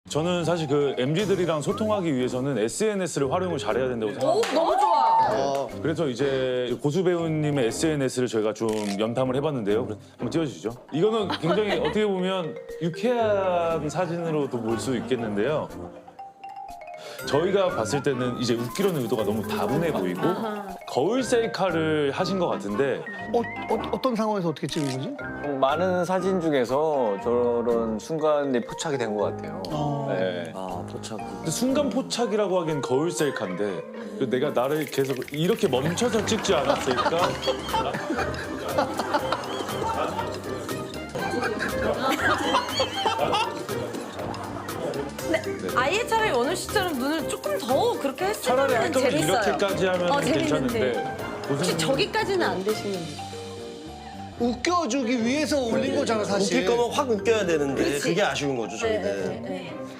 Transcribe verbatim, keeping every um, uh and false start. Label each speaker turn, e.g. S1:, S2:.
S1: 저는 사실 그 엠지들이랑 소통하기 위해서는 에스엔에스를 활용을 잘해야 된다고 생각합니다.
S2: 오, 너무 좋아.
S1: 그래서 이제 고수 배우님의 에스엔에스를 저희가 좀 염탐을 해봤는데요. 그래서 한번 띄워주시죠. 이거는 굉장히 어떻게 보면 유쾌한 사진으로도 볼 수 있겠는데요. 저희가 봤을 때는 이제 웃기려는 의도가 너무 다분해 보이고 거울 셀카를 하신 것 같은데
S3: 어, 어, 어떤 상황에서 어떻게 찍은 거지?
S4: 많은 사진 중에서 저런 순간이 포착이 된 것 같아요. 네.
S5: 아, 포착.
S1: 근데 순간 포착이라고 하기엔 거울 셀카인데 내가 나를 계속 이렇게 멈춰서 찍지 않았을까?
S2: 아예 차라리 원우 씨처럼 눈을 조금 더 그렇게
S1: 차라리 할
S2: 했으면
S1: 거면
S2: 재밌어요.
S1: 이렇게까지 하면
S2: 어,
S1: 괜찮은데
S2: 재밌는데. 혹시
S1: 고수님-
S2: 저기까지는 안 되시는
S3: 웃겨주기 위해서 올린 거잖아, 사실.
S5: 웃길 거면 확 웃겨야 되는데
S2: 그치.
S5: 그게 아쉬운 거죠, 저희는.
S2: 네, 네, 네.